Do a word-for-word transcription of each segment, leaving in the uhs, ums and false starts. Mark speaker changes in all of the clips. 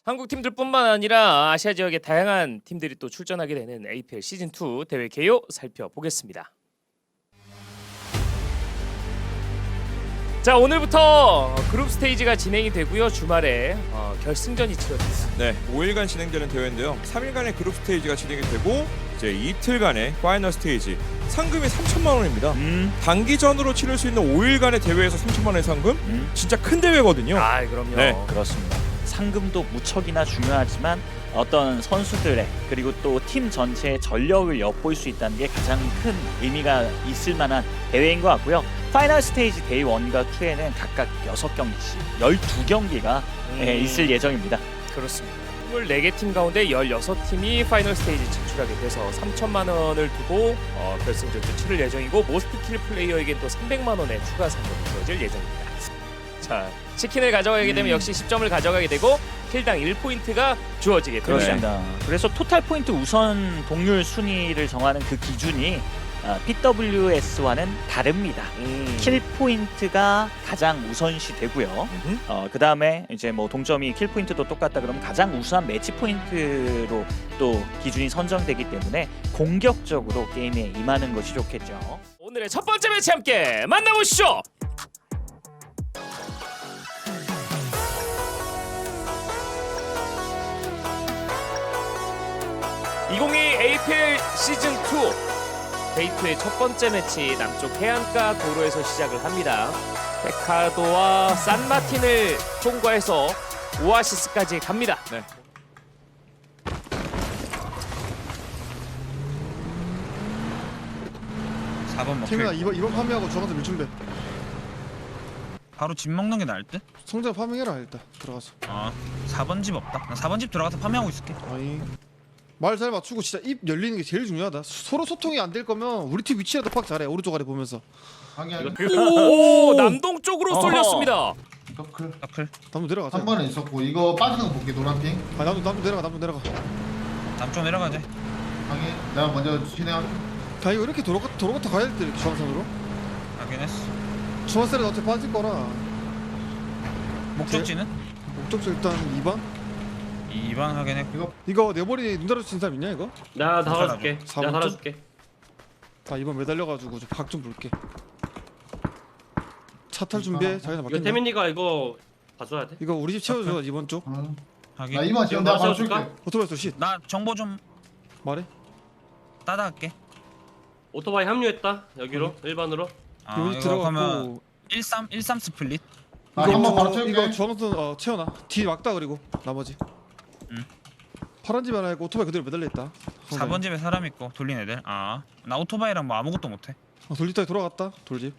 Speaker 1: 한국 팀들뿐만 아니라 아시아 지역의 다양한 팀들이 또 출전하게 되는 에이피엘 시즌 투 대회 개요 살펴보겠습니다. 자, 오늘부터 그룹 스테이지가 진행이 되고요. 주말에 어, 결승전이 치러집니다.
Speaker 2: 네, 오 일간 진행되는 대회인데요. 삼 일간의 그룹 스테이지가 진행이 되고 이제 이틀간의 파이널 스테이지. 상금이 삼천만 원입니다.
Speaker 3: 음.
Speaker 2: 단기전으로 치를 수 있는 오 일간의 대회에서 삼천만 원의 상금?
Speaker 3: 음.
Speaker 2: 진짜 큰 대회거든요.
Speaker 1: 아, 그럼요.
Speaker 2: 네.
Speaker 3: 그렇습니다. 상금도 무척이나 중요하지만 어떤 선수들의 그리고 또 팀 전체의 전력을 엿볼 수 있다는 게 가장 큰 의미가 있을 만한 대회인 것 같고요. 파이널 스테이지 데이 원과 투에는 각각 여섯 경기씩 열두 경기가
Speaker 1: 음.
Speaker 3: 예, 있을 예정입니다.
Speaker 1: 그렇습니다. 이십사 개 팀 가운데 열여섯 팀이 파이널 스테이지 진출하게 돼서 삼천만 원을 두고 어, 결승전을 치를 예정이고 모스트 킬 플레이어에겐 또 삼백만 원의 추가 상금이 주어질 예정입니다. 자, 치킨을 가져가게 되면
Speaker 3: 음.
Speaker 1: 역시 십 점을 가져가게 되고 킬당 일 포인트가 주어지게 됩니다.
Speaker 3: 그렇습니다. 그래서 토탈 포인트 우선 동률 순위를 정하는 그 기준이 어, 피더블유에스와는 다릅니다.
Speaker 1: 음.
Speaker 3: 킬 포인트가 가장 우선시 되고요. 어, 그 다음에 이제 뭐 동점이 킬 포인트도 똑같다 그러면 가장 우수한 매치 포인트로 또 기준이 선정되기 때문에 공격적으로 게임에 임하는 것이 좋겠죠.
Speaker 1: 오늘의 첫 번째 매치 함께 만나보시죠. 이천이십이 에이피엘 시즌 투 데이 투의 첫 번째 매치 남쪽 해안가 도로에서 시작을 합니다. 페카도와 산마틴을 통과해서 오아시스까지 갑니다.
Speaker 2: 네.
Speaker 4: 사 번 먹혀
Speaker 5: 태민아
Speaker 4: 있고.
Speaker 5: 이번 이번 파밍하고 저한테 밀준배
Speaker 4: 바로 집 먹는 게 나을 듯?
Speaker 5: 성장 파밍해라 일단 들어가서.
Speaker 4: 어 사 번 집 없다. 나 사 번 집 들어가서 파밍하고 있을게.
Speaker 5: 아니 말 잘 맞추고 진짜 입 열리는 게 제일 중요하다. 서로 소통이 안 될 거면 우리 팀 위치라도 파악 잘해. 오른쪽 아래 보면서.
Speaker 1: 오, 남동 쪽으로
Speaker 3: 어허.
Speaker 1: 쏠렸습니다.
Speaker 6: 서클
Speaker 4: 서클
Speaker 5: 남도 내려가자.
Speaker 6: 한 번에 있었고 이거 빠지는 거 볼게 노란핑
Speaker 5: 아 남도 남도 내려가 남도 내려가.
Speaker 4: 남쪽 내려가자.
Speaker 6: 방에 내가 먼저 진행할게.
Speaker 5: 아 이거 이렇게 도로 같 도로 같아 가야 돼 이렇게 중앙선으로.
Speaker 4: 확인했어.
Speaker 5: 중앙선에 어차피 빠질 거라.
Speaker 4: 목적지는?
Speaker 5: 목적지 일단 이 번.
Speaker 4: 이 번 확인했고.
Speaker 6: 이거
Speaker 5: 이거 내 머리 눈 달아주신 사람 있냐 이거?
Speaker 7: 내가 달아줄게.
Speaker 5: 사
Speaker 7: 내가
Speaker 5: 번
Speaker 7: 달아줄게.
Speaker 5: 아 이번 매달려가지고 박 좀 볼게. 차 탈 준비해. 자기나
Speaker 7: 이거
Speaker 5: 맡긴다.
Speaker 7: 태민이가 이거 봐줘야 돼.
Speaker 5: 이거 우리 집 채워줘 이번 쪽.
Speaker 6: 어.
Speaker 4: 확인.
Speaker 6: 나 이번 지금 내가 바로 줄게.
Speaker 7: 맞춰줄까?
Speaker 5: 오토바이 씨
Speaker 4: 나 정보 좀
Speaker 5: 말해.
Speaker 4: 따다할게.
Speaker 7: 오토바이 합류했다. 여기로 일반으로.
Speaker 4: 아
Speaker 5: 이번 집
Speaker 4: 이거 그러면
Speaker 5: 들어가고.
Speaker 4: 일삼 일삼 스플릿.
Speaker 6: 나 한 번 바로
Speaker 5: 저-
Speaker 6: 채울게.
Speaker 5: 이거 중앙선 어, 채워놔. 뒤 막다 그리고 나머지.
Speaker 4: 응.
Speaker 5: 파란 집 하나 있고 오토바이 그대로 매달려 있다.
Speaker 4: 사 번 집에 사람 있고 돌린 애들. 아 나 오토바이랑 뭐 아무것도 못해.
Speaker 5: 어, 돌집까지 돌아갔다. 돌집.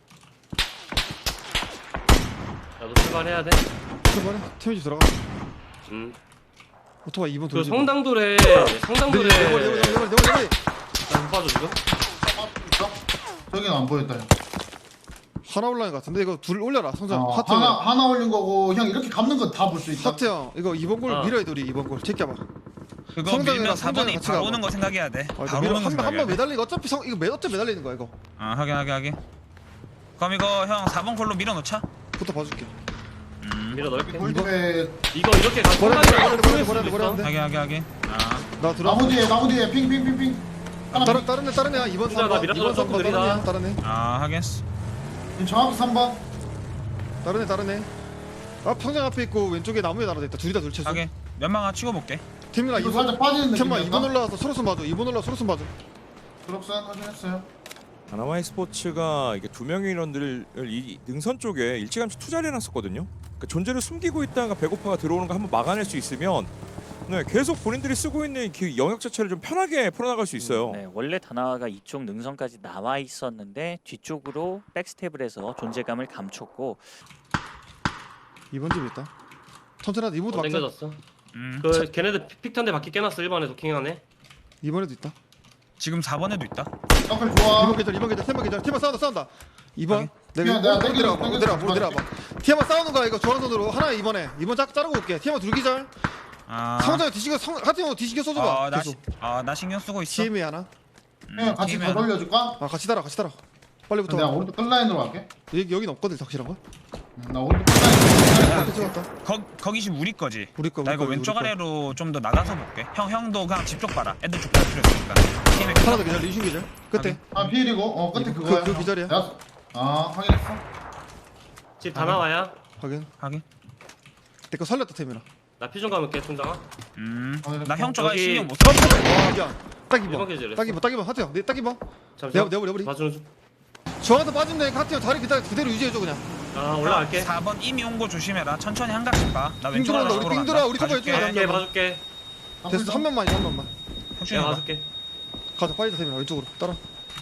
Speaker 7: 나도 출발해야 돼.
Speaker 5: 출발해. 태민 집 들어가.
Speaker 7: 음.
Speaker 5: 오토바이 이 번
Speaker 7: 그
Speaker 5: 돌집.
Speaker 7: 성당돌에 성당돌에
Speaker 5: 내 머리 내 머리 내 머리 내 머리 내 머리.
Speaker 7: 나못 봐줘 지금.
Speaker 6: 저기는 안 보였다.
Speaker 5: 하나 올라간 것 같은데 이거 둘 올려라. 성장
Speaker 6: 어,
Speaker 5: 하트
Speaker 6: 하나
Speaker 5: 형.
Speaker 6: 하나 올린 거고 형 이렇게 감는 건 다 볼 수 있다.
Speaker 5: 하트 형 이거 이번 골
Speaker 7: 어.
Speaker 5: 밀어야 돼 우리 이번 골. 제껴봐.
Speaker 4: 그거
Speaker 5: 성당이랑
Speaker 4: 밀면 사 번이
Speaker 5: 성당이랑 같이
Speaker 4: 바로
Speaker 5: 가봐.
Speaker 4: 오는 거 생각해야 돼.
Speaker 5: 아,
Speaker 4: 바로 오는 거
Speaker 5: 한번
Speaker 4: 생각해야 돼.
Speaker 5: 매달리는 거 어차피 성 이거 매 어차피 매달리는 거야 이거.
Speaker 4: 아 확인 확인 확인. 그럼 이거 형 사 번 콜로 밀어놓자.
Speaker 5: 부터 봐줄게.
Speaker 4: 음
Speaker 7: 밀어 넣을게.
Speaker 6: 골집에
Speaker 7: 이거 이렇게 가.
Speaker 5: 버려, 버려, 버려, 버려, 버려, 버려.
Speaker 7: 있어.
Speaker 4: 확인 확인 확인. 아
Speaker 5: 나 들어.
Speaker 6: 나무 뒤에 나무 뒤에 핑핑핑핑.
Speaker 5: 다른 다른 애 다른 애야 이번
Speaker 7: 진짜 나
Speaker 5: 삼 번
Speaker 7: 미라클
Speaker 5: 이번 삼 번
Speaker 7: 조금
Speaker 5: 다른 애야
Speaker 7: 느리다.
Speaker 5: 다른 애
Speaker 4: 아 확인했어.
Speaker 6: 정확히 삼 번.
Speaker 5: 다른 애 다른 애. 아 평장 앞에 있고 왼쪽에 나무에 날아다 있다. 둘이 다 둘째서.
Speaker 4: 확인. 연막 하나 치고볼게.
Speaker 5: 팀이랑
Speaker 6: 이거
Speaker 5: 이번
Speaker 6: 살짝 빠지는
Speaker 5: 잠깐만
Speaker 6: 느낌이었다.
Speaker 5: 이번 올라와서 서로선 봐줘. 이번 올라 서로선 봐줘.
Speaker 6: 드롭산 확인했어요.
Speaker 2: 다나와이 스포츠가 이게 두 명의 인원들을 이 능선 쪽에 일찌감치 투자를 해놨었거든요. 그러니까 존재를 숨기고 있다가 배고파가 들어오는 거 한번 막아낼 수 있으면 네, 계속 본인들이 쓰고 있는 그 영역 자체를 좀 편하게 풀어나갈 수 있어요.
Speaker 3: 네, 원래 다나와가 이쪽 능선까지 나와 있었는데 뒤쪽으로 백스텝을 해서 존재감을 감췄고
Speaker 5: 이번 집에 있다. 천천히 하자. 이번도
Speaker 7: 어,
Speaker 5: 막자.
Speaker 7: 땡겨졌어.
Speaker 4: 음
Speaker 7: 그 걔네들 픽턴데 바퀴 깨놨어. 일 번에 도킹하네.
Speaker 5: 이번에도 있다.
Speaker 4: 지금 사 번에도 있다.
Speaker 6: 서클 좋아.
Speaker 5: 이번 계절 이번 계절 팀만 계절 팀만 싸운다 싸운다. 이번 내가
Speaker 6: 야, 내가
Speaker 5: 오른쪽
Speaker 6: 땡기는
Speaker 5: 내려와봐.
Speaker 6: 거,
Speaker 5: 오른쪽
Speaker 6: 땡기는
Speaker 5: 내려와.
Speaker 6: 거
Speaker 5: 오른쪽 내려와봐. 팀만 싸우는 거야 이거 중앙선으로 하나 이번에 이번 짝 자르고 올게. 팀만 둘 기절.
Speaker 4: 아
Speaker 5: 상장에 뒤지게 성 하트형 뒤지게 써줘봐.
Speaker 4: 어나
Speaker 5: 계속.
Speaker 4: 아, 나 신경 쓰고 있어.
Speaker 5: 티엠이 하나.
Speaker 6: 형 같이
Speaker 4: 팀에
Speaker 6: 더 돌려줄까?
Speaker 5: 아 같이 따라 같이 따라. 빨리부터.
Speaker 6: 내가 오른쪽 끝라인으로 갈게.
Speaker 5: 여기 여긴 없거든 확실한 거.
Speaker 6: 음, 나 오른쪽 끝나게.
Speaker 5: 앞에 찍었다.
Speaker 4: 거, 거기 집 우리 거지.
Speaker 5: 우리 거.
Speaker 4: 나
Speaker 5: 우리
Speaker 4: 이거
Speaker 5: 거,
Speaker 4: 왼쪽
Speaker 5: 우리 거.
Speaker 4: 아래로 좀 더 나가서 볼게. 형 형도 그냥 집 쪽 봐라. 애들 쪽갈 필요 있으니까. 팀에
Speaker 5: 하나 더 기절. 리슈 기절. 끝에.
Speaker 6: 아 피일이고 어 끝에
Speaker 5: 그-
Speaker 6: 그거야.
Speaker 5: 그 기절이야.
Speaker 6: 내가- 아 확인했어.
Speaker 7: 집 다 나와야.
Speaker 5: 확인.
Speaker 4: 하긴.
Speaker 5: 내 거 살렸다 태민아.
Speaker 7: 나 피 좀 감을게 총장아.
Speaker 4: 음.
Speaker 6: 확인했어.
Speaker 4: 나 형 쪽에
Speaker 7: 여기-
Speaker 4: 신경 못 써.
Speaker 5: 와 미안. 딱
Speaker 7: 일번
Speaker 5: 입어.
Speaker 7: 계절했어.
Speaker 5: 딱 입어. 딱 입어. 하트야. 내딱 입어.
Speaker 7: 잠시만.
Speaker 5: 내가- 내가 우리-
Speaker 7: 봐주는 중.
Speaker 5: 저한테 빠지면 되니까 하트야 자리 그대로, 그대로 유지해줘 그냥.
Speaker 7: 아 올라갈게.
Speaker 4: 사 번 이미 온 거 조심해라. 천천히 한 각씩 봐. 나
Speaker 5: 빙
Speaker 4: 왼쪽
Speaker 5: 돌아온다,
Speaker 4: 아래로
Speaker 5: 우리
Speaker 4: 돌아간다.
Speaker 5: 빙 돌아, 우리 커버
Speaker 4: 봐줄게.
Speaker 5: 해줘야
Speaker 7: 봐줄게 봐줄게.
Speaker 5: 됐어. 한 명만 한 명만.
Speaker 4: 혁준이
Speaker 7: 내가
Speaker 4: 봐.
Speaker 7: 봐줄게.
Speaker 5: 가자. 빠지자 태민아. 왼쪽으로. 따라.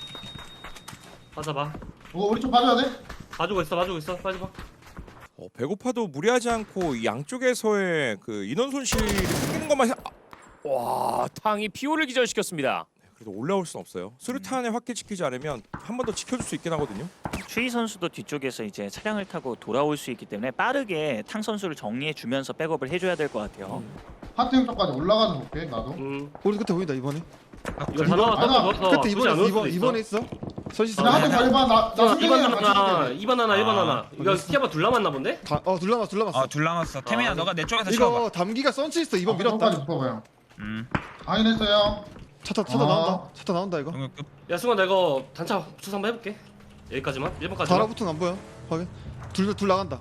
Speaker 7: 받아봐.
Speaker 6: 어, 우리 좀 봐줘야 돼.
Speaker 7: 봐주고 있어 봐주고 있어. 빠져봐.
Speaker 2: 어, 배고파도 무리하지 않고 이 양쪽에서의 그 인원 손실이 생기는 것만 생- 아,
Speaker 1: 와, 탕이 피오를 기절시켰습니다.
Speaker 2: 그래도 올라올 순 없어요. 수류탄에 확기시키지 않으면 한 번 더 지켜줄 수 있긴 하거든요.
Speaker 3: 추이 선수도 뒤쪽에서 이제 차량을 타고 돌아올 수 있기 때문에 빠르게 탕 선수를 정리해 주면서 백업을 해줘야 될 것 같아요.
Speaker 6: 하트 형 쪽까지 올라가서 볼게 나도.
Speaker 7: 음.
Speaker 5: 우리 끝에 보인다 이번에.
Speaker 7: 이거 다 나와.
Speaker 6: 아니야.
Speaker 7: 떴어 떴어.
Speaker 5: 끝에 이번에 있어. 이번 이번에 있어. 선시
Speaker 6: 나 하트
Speaker 5: 다.
Speaker 6: 빨리 봐. 나나
Speaker 7: 이 번
Speaker 6: 승진이랑 같이
Speaker 7: 하나,
Speaker 6: 볼게.
Speaker 7: 이 번 하나, 일 번
Speaker 4: 아,
Speaker 7: 하나. 이거 티아바 둘 남았나 본데?
Speaker 5: 어 둘러놨어. 둘러놨어.
Speaker 4: 어, 둘 남았어. 태민아
Speaker 7: 아,
Speaker 4: 너가 내 쪽에서 치워봐.
Speaker 5: 이거 담기가 선치 있어. 이번
Speaker 6: 아, 끝까지
Speaker 5: 밀었다.
Speaker 6: 묶어봐요.
Speaker 4: 음.
Speaker 6: 확인했어요.
Speaker 5: 차타 차타
Speaker 6: 아.
Speaker 5: 나온다. 차타 나온다 이거.
Speaker 4: 동료 끝.
Speaker 7: 야 승관 내가 이거 단차 붙여서 한번 해볼게. 여기까지만. 일 번까지만.
Speaker 5: 달아붙은 안 보여. 확인. 둘둘 나간다.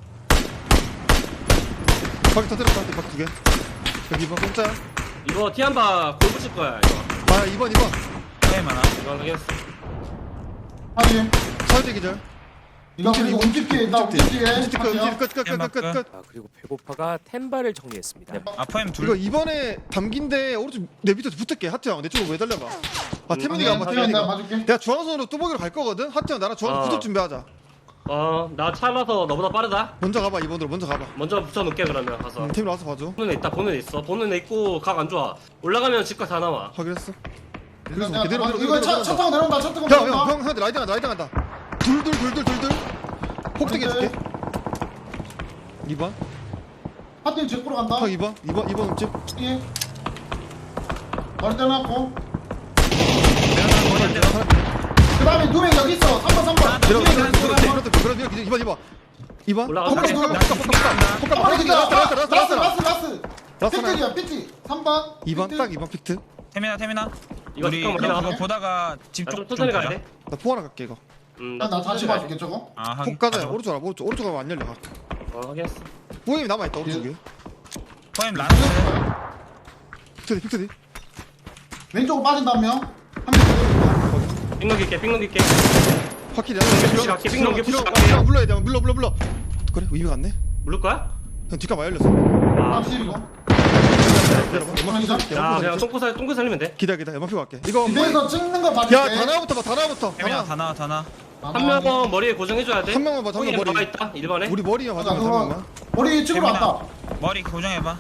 Speaker 5: 바퀴 터뜨렸다. 바퀴 두 개. 여기 이번 공짜야.
Speaker 7: 이거 티안바 골 붙일 거야 이거.
Speaker 5: 아 이번 이번.
Speaker 4: 게임 하나.
Speaker 7: 이거 확인했어.
Speaker 6: 확인.
Speaker 5: 사회대 기절.
Speaker 6: 이거 그리고 움직기 나 움직기게.
Speaker 5: 끝끝끝끝끝끝.
Speaker 1: 아, 그리고 배고파가 텐바를 정리했습니다.
Speaker 4: 아포엠 둘.
Speaker 5: 이거 이번에 담긴데 오른쪽 내 밑에 붙을게. 하트 형 내 쪽으로 왜 달려봐. 아 태민이가 한번
Speaker 6: 태민이 내가
Speaker 5: 태민이가.
Speaker 6: 봐줄게.
Speaker 5: 내가 중앙선으로 뚜벅이로 갈 거거든. 하트 형 나랑 중앙선
Speaker 7: 어.
Speaker 5: 붙을 준비하자.
Speaker 7: 어나 차라서 너보다 빠르다.
Speaker 5: 먼저 가봐 이번으로 먼저 가봐.
Speaker 7: 먼저 붙여놓게 그러면 가서.
Speaker 5: 음, 태민 와서 봐줘.
Speaker 7: 보는 애 있다 보는 애 있어. 보는 애 있고 각 안 좋아. 올라가면 집각 다 나와.
Speaker 5: 확인했어.
Speaker 6: 일단
Speaker 5: 그래서 그대로
Speaker 6: 내가-
Speaker 5: 그대로
Speaker 6: 이거
Speaker 5: 그대로
Speaker 6: 차, 차 타고 내려온다. 차 타고
Speaker 5: 형,
Speaker 6: 내려온다.
Speaker 5: 형, 형, 형한테 라이딩 간다, 라이딩 간다. 둘, 둘, 둘, 둘, 둘, 둘. 폭등해 줄게. 이 번.
Speaker 6: 하트 형 제꾸로 간다.
Speaker 5: 형 이 번, 이 번, 이 번 음집.
Speaker 6: 예. 머리 떼놨고. 그 다음에 누명 여기 있어. 삼 번, 삼 번.
Speaker 5: 밀어, 밀어, 밀어,
Speaker 6: 누명
Speaker 5: 밀어, 밀어, 밀어, 밀어, 밀어, 이 번, 이 번. 이 번.
Speaker 7: 올라가.
Speaker 5: 폭가,
Speaker 7: 오케이.
Speaker 5: 폭가, 폭가, 폭가, 폭가, 폭가,
Speaker 6: 한 번에
Speaker 5: 폭가,
Speaker 6: 기다.
Speaker 5: 라스트, 라스트, 라스트,
Speaker 6: 라스,
Speaker 5: 라스트.
Speaker 6: 라스, 라스.
Speaker 5: 라스트
Speaker 6: 픽트야, 픽트. 삼 번.
Speaker 5: 이 번, 딱 이 번 픽트.
Speaker 4: 태민아 태민아.
Speaker 7: 이거
Speaker 4: 우리
Speaker 7: 잠깐만
Speaker 4: 그거
Speaker 7: 기다려.
Speaker 4: 보다가 집
Speaker 7: 나좀
Speaker 4: 쪽 좀
Speaker 7: 천천히 가야
Speaker 4: 보자.
Speaker 7: 돼.
Speaker 5: 나 포 하나 갈게 이거.
Speaker 7: 음,
Speaker 6: 나 다시
Speaker 7: 천천히 가야 돼.
Speaker 6: 봐줄게 저거.
Speaker 4: 아 하긴.
Speaker 5: 폭 가자.
Speaker 4: 가져가.
Speaker 5: 오른쪽 알아, 오른쪽, 오른쪽 가면 안 열려.
Speaker 7: 어 확인했어.
Speaker 5: 보임이 남아 있다 오른쪽에.
Speaker 4: 포엠 라스트.
Speaker 5: 픽트디, 픽트디.
Speaker 6: 왼쪽으로 빠진다며. 한명
Speaker 7: 삥 넘길게 삥 넘길게.
Speaker 5: 확실히.
Speaker 7: 푸시 갈게, 삥 넘겨, 푸시 갈게.
Speaker 5: 물러야 돼, 물러, 물러, 물러. 그래, 의미 갔네.
Speaker 7: 물을 거야?
Speaker 5: 형 뒷가 열렸어.
Speaker 7: 아,
Speaker 6: 확실이고.
Speaker 5: 기다려봐. 연막 피고 살릴게.
Speaker 7: 야
Speaker 5: 연막
Speaker 7: 그냥
Speaker 5: 피고
Speaker 7: 똥꼬 살 똥꼬 살리면 돼.
Speaker 5: 기다려, 기다려. 연막 피고 갈게. 이거 뭐?
Speaker 6: 집에서 찍는 거 봐줄게.
Speaker 5: 야, 다나부터 봐, 다나부터.
Speaker 4: 태민아
Speaker 5: 다나.
Speaker 4: 다 나와 다 나.
Speaker 7: 한 명은 머리에 고정해줘야 돼.
Speaker 5: 한 명만 봐, 한 명 머리.
Speaker 7: 나와 있다. 일 번에.
Speaker 5: 우리 머리만
Speaker 6: 아,
Speaker 5: 봐줘, 한 명만.
Speaker 6: 우리 찍으러
Speaker 4: 태민아.
Speaker 6: 왔다.
Speaker 4: 머리 고정해봐.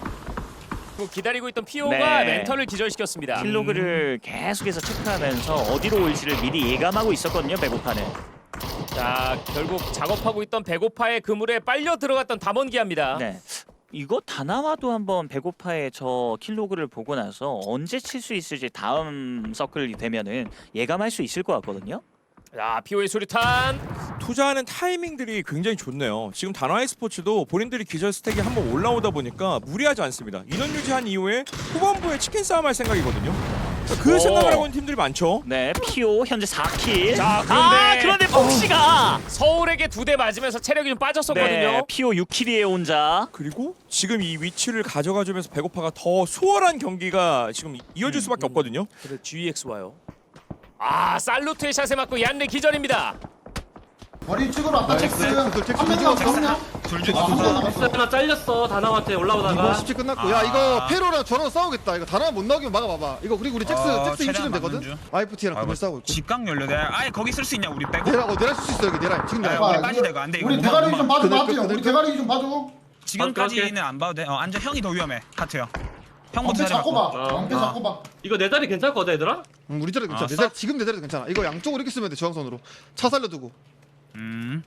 Speaker 1: 그 기다리고 있던 피오가
Speaker 3: 네.
Speaker 1: 멘털을 기절시켰습니다.
Speaker 3: 킬로그를 계속해서 체크하면서 어디로 올지를 미리 예감하고 있었거든요. 배고파는.
Speaker 1: 자, 결국 작업하고 있던 배고파의 그물에 빨려 들어갔던 담원기합니다.
Speaker 3: 네. 이거 다나와도 한번 배고파의 저 킬로그를 보고 나서 언제 칠 수 있을지 다음 서클이 되면은 예감할 수 있을 것 같거든요.
Speaker 1: 자, 피오의 수류탄.
Speaker 2: 투자하는 타이밍들이 굉장히 좋네요. 지금 다나와이 스포츠도 본인들이 기절 스택이 한번 올라오다 보니까 무리하지 않습니다. 인원 유지한 이후에 후반부에 치킨 싸움 할 생각이거든요. 그
Speaker 1: 오.
Speaker 2: 생각을 하고 있는 팀들이 많죠.
Speaker 3: 네, 피오 현재 사 킬.
Speaker 1: 자, 그런데-
Speaker 3: 아, 그런데 폭시가
Speaker 1: 서울에게 두 대 맞으면서 체력이 좀 빠졌었거든요.
Speaker 3: 네, 피오 육 킬이에요 혼자.
Speaker 2: 그리고 지금 이 위치를 가져가주면서 배고파가 더 수월한 경기가 지금 이어질 수밖에 없거든요.
Speaker 1: 그래, 지엑스 와요. 아, 살루트의 샷에 맞고 얀레 기절입니다.
Speaker 6: 머리 찍으러 왔다.
Speaker 5: 나이스.
Speaker 6: 잭스.
Speaker 5: 잭스, 잭스,
Speaker 6: 한명
Speaker 5: 잭스.
Speaker 6: 남았어. 한 명.
Speaker 4: 둘 중에
Speaker 6: 아,
Speaker 4: 둘
Speaker 6: 한명
Speaker 4: 중.
Speaker 6: 남았어.
Speaker 7: 하나 잘렸어. 다나한테
Speaker 5: 이번
Speaker 7: 올라오다가.
Speaker 5: 십칠 끝났고. 야,
Speaker 4: 아.
Speaker 5: 이거 페로랑 저랑 싸우겠다. 이거 다나 못 나오게 막아봐봐. 이거 그리고 우리 잭스,
Speaker 4: 어,
Speaker 5: 잭스
Speaker 4: 최대한
Speaker 5: 유치면 되거든.
Speaker 4: 막는 중.
Speaker 5: 아이프티랑 그걸 싸우고 있고.
Speaker 4: 직각 연료 내가 아예 거기 쓸 수 있냐 우리 빼고.
Speaker 5: 내라, 어, 내라 쓸수 있어 여기 내라. 지금
Speaker 4: 아,
Speaker 5: 내라.
Speaker 4: 우리
Speaker 6: 봐,
Speaker 4: 빠지다 이거 안 돼, 이거
Speaker 6: 우리
Speaker 4: 못
Speaker 6: 대가리
Speaker 4: 막-
Speaker 6: 좀 봐줘.
Speaker 5: 그들
Speaker 6: 맞지?
Speaker 5: 거, 그들
Speaker 6: 우리
Speaker 5: 거.
Speaker 6: 대가리 좀 봐줘.
Speaker 4: 지금까지는 안 봐도 돼. 어 앉아 형이 더 위험해. 하트 형. 형부터
Speaker 6: 엄폐
Speaker 4: 자리
Speaker 6: 잡고
Speaker 4: 바꿔.
Speaker 6: 봐.
Speaker 7: 어.
Speaker 6: 엄폐
Speaker 4: 어.
Speaker 6: 잡고 봐.
Speaker 7: 이거 내 다리 괜찮거든 얘들아?
Speaker 5: 응, 우리 자리 괜찮아.
Speaker 4: 아,
Speaker 5: 내 자리 지금 내 자리도 괜찮아. 이거 양쪽으로 이렇게 쓰면 돼. 중앙선으로. 차 살려두고.
Speaker 4: 음.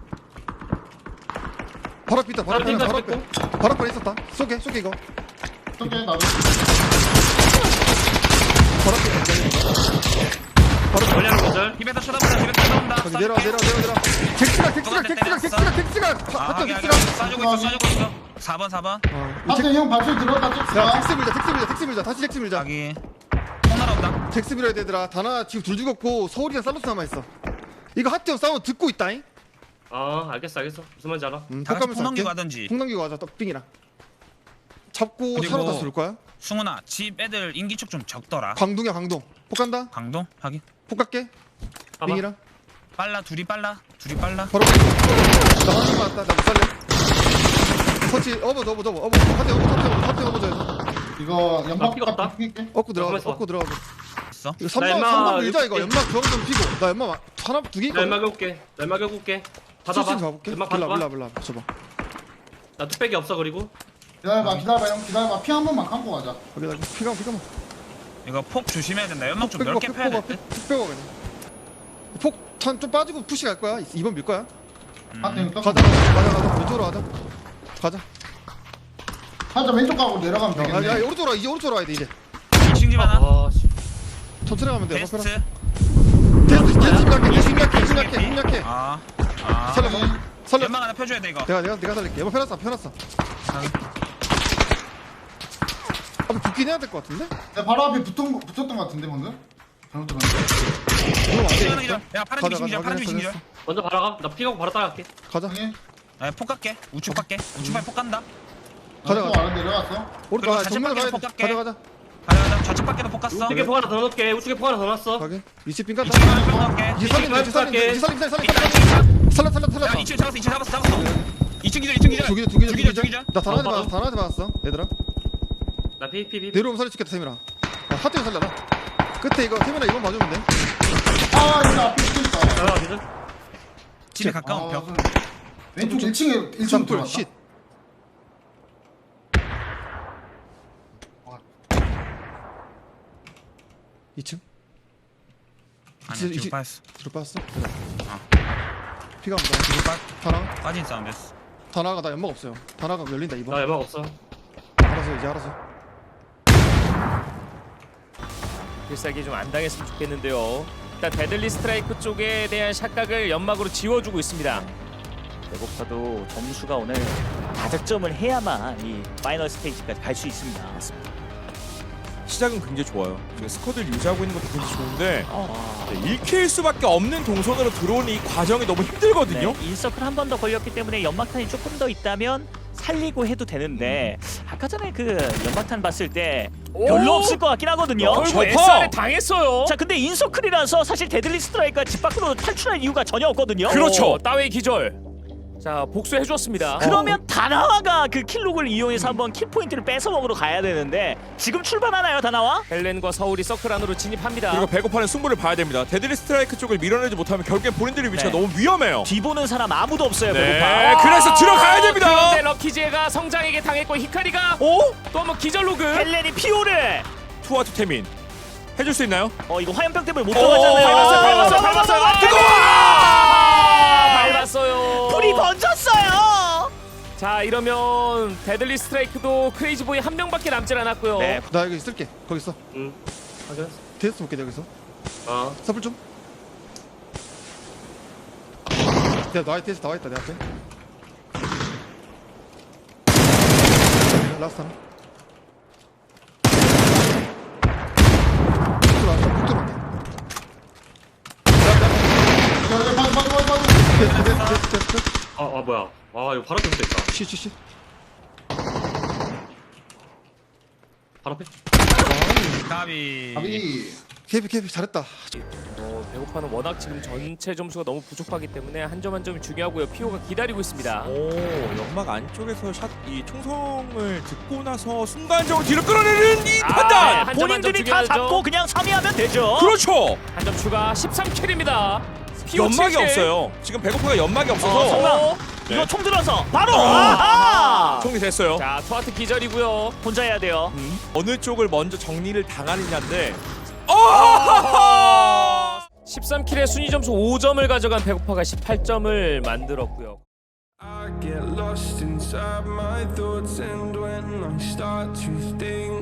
Speaker 5: 바로 앞에 있다. 바로 앞에.
Speaker 7: 띵가
Speaker 5: 바로 앞에.
Speaker 7: 뺐고.
Speaker 5: 바로 앞에 있었다. 쏘게, 쏘게 이거.
Speaker 6: 어떻게 나도.
Speaker 5: 바로 앞에 있다.
Speaker 7: 멀리 하는 거절.
Speaker 4: 힙에서 쳐다보자. 힙에서 쳐다본다.
Speaker 5: 저기 내려와 내려와 내려와 내려와. 잭스가 잭스가
Speaker 4: 너한테
Speaker 5: 잭스가 잭스가 잭스가
Speaker 4: 아,
Speaker 5: 하트
Speaker 4: 하게 하게.
Speaker 5: 잭스가.
Speaker 4: 쏴주고 있어. 쏴주고 있어. 사 번 사 번.
Speaker 5: 어, 이
Speaker 6: 하트 형 발소리 들었다
Speaker 5: 잭- 야
Speaker 6: 잭스가.
Speaker 5: 잭스 밀자 잭스 밀자 잭스 밀자 다시 잭스 밀자.
Speaker 4: 자기 통 날아온다.
Speaker 5: 잭스 밀어야 되더라. 다나 지금 둘 죽었고 서울이랑 살로스 남아 있어. 이거 하트 형 싸움 듣고 있다잉.
Speaker 7: 아 알겠어 알겠어. 무슨 말인지 알아.
Speaker 5: 음,
Speaker 4: 다 같이
Speaker 5: 폭가면서
Speaker 4: 통 넘기고
Speaker 5: 할게.
Speaker 4: 하든지.
Speaker 5: 폭 넘기고 가자 떡빙이랑. 잡고
Speaker 4: 그리고-
Speaker 5: 차로 다시 돌 거야.
Speaker 4: 승훈아 집 애들 인기척 좀 적더라.
Speaker 5: 광동이야 광동. 폭 간다.
Speaker 4: 강동 하긴.
Speaker 5: 폭 갈게.
Speaker 7: 봐봐.
Speaker 5: 빙이랑.
Speaker 4: 빨라 둘이 빨라. 둘이 빨라.
Speaker 5: 바로 나 한번 맞다. 나 못 살래. 터치 어버 어버 어버 어버 한대 어버 한대 어버 한대 어버 줘야 돼.
Speaker 6: 이거
Speaker 7: 나
Speaker 6: 연막
Speaker 7: 피가 없다.
Speaker 6: 딱 피게.
Speaker 5: 얻고 들어가.
Speaker 7: 가만있어 봐.
Speaker 5: 얻고 들어가.
Speaker 4: 있어.
Speaker 5: 이거
Speaker 7: 나
Speaker 5: 3번
Speaker 7: 연막
Speaker 5: 3번 밀자 이거.
Speaker 7: 이렇게-
Speaker 5: 연막 주황 좀 피고. 나 연막 마- 하나 두 개
Speaker 7: 나
Speaker 5: 있거든.
Speaker 7: 연막 해볼게. 나 연막 해볼게.
Speaker 5: 수신
Speaker 7: 받아봐.
Speaker 5: 가볼게.
Speaker 7: 연막
Speaker 5: 빌라
Speaker 7: 받아봐.
Speaker 5: 빌라 빌라. 줘봐.
Speaker 7: 나 뚝배기 없어 그리고.
Speaker 6: 기다려봐 기다려봐 형 기다려봐. 피 한 번만 감고 가자.
Speaker 5: 여기다 피가 피가.
Speaker 4: 이거 폭 조심해야 된다. 연막 좀 넓게 펴야 돼.
Speaker 5: 푹 빼고 그냥. 폭탄 좀 빠지고 푸시 갈 거야. 이번 밀 거야.
Speaker 6: 하트 형
Speaker 5: 가자
Speaker 6: 떡.
Speaker 5: 가자 가자. 왼쪽으로 가자. 가자.
Speaker 6: 살짝 왼쪽 가고 내려가면
Speaker 5: 야, 야
Speaker 6: 되겠네.
Speaker 5: 오른쪽으로 와. 이제 오른쪽으로 와야 돼 이제.
Speaker 4: 이 층 집 하나.
Speaker 7: 아 씨.
Speaker 5: 천천히 가면 돼.
Speaker 4: 베스트.
Speaker 5: 테스트 테스트 약해. 힘 약해. 힘 약해. 힘 약해.
Speaker 4: 아. 아.
Speaker 5: 살려. 살려.
Speaker 4: 연막 하나 펴줘야 돼 이거.
Speaker 5: 내가 내가 내가 살릴게. 연막 펴놨어. 펴놨어. 앞에 붙긴 해야 될 것 같은데?
Speaker 6: 내 바로 앞에 붙은 거- 붙었던 거 같은데 방금. 잘못 들었네.
Speaker 5: 이거 안
Speaker 4: 이층 하나
Speaker 5: 되겠다.
Speaker 4: 기절. 야 파란 집
Speaker 5: 가자
Speaker 4: 이층 기절.
Speaker 5: 가자.
Speaker 4: 파란 집 이층
Speaker 5: 확인했어.
Speaker 4: 기절.
Speaker 7: 먼저 바라가. 나 피가고 바로 따라갈게.
Speaker 5: 가자.
Speaker 6: 형이
Speaker 4: 야, 폭 갈게. 우측 갈게. 우측 발폭 간다.
Speaker 5: 가자,
Speaker 6: 또
Speaker 5: 가자.
Speaker 6: 아래 내려갔어.
Speaker 5: 오른쪽
Speaker 4: 그리고
Speaker 5: 가자.
Speaker 4: 좌측
Speaker 5: 정면 가야 돼.
Speaker 4: 밖에서 폭
Speaker 5: 가자
Speaker 4: 갈게.
Speaker 5: 가자.
Speaker 4: 가자 가자. 좌측 밖에도 폭 갔어.
Speaker 7: 우측에 포 하나 더 넣을게. 우측에 포 하나 더 놨어.
Speaker 5: 가게. 이치 빙 깠다.
Speaker 4: 이층 하나 폭 갈게.
Speaker 5: 이제 살린다. 이제 살린다.
Speaker 7: 갈게.
Speaker 5: 이제 살린다. 살린다.
Speaker 4: 이층
Speaker 5: 살린다.
Speaker 4: 이층
Speaker 5: 살려 살려 살려.
Speaker 4: 야, 이층 잡았어. 이층 잡았어. 잡았어. 이층 기절. 이층 기절.
Speaker 5: 두 기절 두 기절
Speaker 4: 두 기절. 두 기절.
Speaker 5: 나 다나한테
Speaker 7: 어,
Speaker 5: 맞았어. 다나한테 맞았어. 얘들아.
Speaker 7: 나 피 피 피.
Speaker 5: 내려오면 살려줄겠다 세민아. 야, 하트에 살려라. 끝에 이거 세민아 이번 봐주면 돼.
Speaker 6: 아 여기 앞에 붙어 있다.
Speaker 7: 나가 기절.
Speaker 4: 집에 가까운
Speaker 6: 아,
Speaker 4: 벽.
Speaker 6: 무슨- 왼쪽 일 층에 일 층
Speaker 5: 쌍불
Speaker 6: 들어갔다.
Speaker 5: 쉿. 이 층?
Speaker 4: 아니야.
Speaker 5: 이제-
Speaker 4: 뒤로
Speaker 5: 이제-
Speaker 4: 빠졌어.
Speaker 5: 뒤로 빠졌어?
Speaker 4: 아.
Speaker 5: 피가 온다.
Speaker 4: 뒤로 빠
Speaker 5: 다나?
Speaker 4: 빠진 사운드였어.
Speaker 5: 다나가 나 연막 없어요. 다나가 열린다
Speaker 7: 나
Speaker 5: 이번.
Speaker 7: 연막 없어.
Speaker 5: 알아서 이제 알아서.
Speaker 1: 필살기 좀 안 당했으면 좋겠는데요. 일단 데들리 스트라이크 쪽에 대한 샷각을 연막으로 지워주고 있습니다.
Speaker 3: 배고파도 점수가 오늘 다득점을 해야만 이 파이널 스테이지까지 갈 수 있습니다.
Speaker 2: 시작은 굉장히 좋아요. 지금 스쿼드를 유지하고 있는 것도 굉장히 좋은데
Speaker 3: 아,
Speaker 2: 네, 읽힐 수밖에 없는 동선으로 들어오는 이 과정이 너무 힘들거든요.
Speaker 3: 네, 인서클 한 번 더 걸렸기 때문에 연막탄이 조금 더 있다면 살리고 해도 되는데 아까 전에 그 연막탄 봤을 때 별로
Speaker 1: 오!
Speaker 3: 없을 것 같긴 하거든요.
Speaker 1: 어이구
Speaker 2: 저거!
Speaker 1: 에스알에 당했어요.
Speaker 3: 자 근데 인서클이라서 사실 데들리 스트라이크가 집 밖으로 탈출할 이유가 전혀 없거든요.
Speaker 1: 그렇죠. 따웨이 기절. 자 복수해 줬습니다.
Speaker 3: 그러면 다나와가 그 킬록을 이용해서 한번 킬 포인트를 뺏어 먹으러 가야 되는데 지금 출발하나요 다나와?
Speaker 1: 헬렌과 서울이 서클 안으로 진입합니다.
Speaker 2: 그리고 배고파는 승부를 봐야 됩니다. 데드리 스트라이크 쪽을 밀어내지 못하면 결국엔 본인들의 위치가
Speaker 3: 네.
Speaker 2: 너무 위험해요.
Speaker 3: 뒤보는 사람 아무도 없어요.
Speaker 2: 네,
Speaker 3: 배고파.
Speaker 2: 그래서 들어가야 됩니다.
Speaker 1: 그런데 럭키제가 성장에게 당했고 히카리가
Speaker 3: 오?
Speaker 1: 또 한번 기절 로그.
Speaker 3: 헬렌이 피오를.
Speaker 2: 투아투 태민 해줄 수 있나요?
Speaker 3: 어 이거 화염병 때문에 못
Speaker 2: 오,
Speaker 3: 들어가잖아요.
Speaker 1: 밟았어요, 밟았어요,
Speaker 3: 밟았어요,
Speaker 1: 밟았어요.
Speaker 3: 아, 뜨거워!
Speaker 1: 밟았어요.
Speaker 3: 불이 번졌어요.
Speaker 1: 자 이러면 데들리 스트라이크도 크레이지보이 한 명밖에 남질 않았고요.
Speaker 3: 네.
Speaker 5: 나 여기 있을게. 거기 있어.
Speaker 7: 응. 확인했어.
Speaker 5: 테스트 볼게 여기서.
Speaker 7: 어.
Speaker 5: 서플 좀. 야 나의 테스트 나와 있다 내 앞에. 라스트 하나. 쭉 들어왔다. 쭉 들어왔다.
Speaker 6: 야, 야, 봐줘 봐줘 봐줘 봐줘.
Speaker 5: 테스트 테스트 테스트 테스트.
Speaker 7: 아, 아 뭐야? 아 이거 바로 앞에 붙어 있다.
Speaker 5: 쉿, 쉿, 쉿.
Speaker 7: 바로 앞에.
Speaker 4: 가비.
Speaker 6: 아비.
Speaker 5: 케이피 케이피 잘했다.
Speaker 1: 어, 배고파는 워낙 지금 전체 점수가 너무 부족하기 때문에 한 점 한 점이 중요하고요. 피오가 기다리고 있습니다.
Speaker 2: 오, 연막 안쪽에서 샷 이 총성을 듣고 나서 순간적으로 뒤로 끌어내는 이
Speaker 1: 아,
Speaker 2: 판단.
Speaker 1: 한 점 한 점
Speaker 3: 본인들이 다
Speaker 1: 중요하죠.
Speaker 3: 잡고 그냥 삼 위하면 되죠.
Speaker 2: 그렇죠.
Speaker 1: 한 점 추가 십삼 킬입니다.
Speaker 2: 연막이 없어요. 지금 배고파가 연막이 없어서
Speaker 3: 성남.
Speaker 2: 네.
Speaker 3: 이거 총 들어서 바로.
Speaker 2: 어.
Speaker 3: 아하.
Speaker 2: 정리됐어요.
Speaker 1: 자 투아트 기절이고요.
Speaker 3: 혼자 해야 돼요.
Speaker 2: 음, 어느 쪽을 먼저 정리를 당하느냐인데. 어!
Speaker 1: 십삼 킬의 순위 점수 오 점을 가져간 배고파가 십팔 점을 만들었고요.
Speaker 8: I get lost inside my thoughts, and when I start to think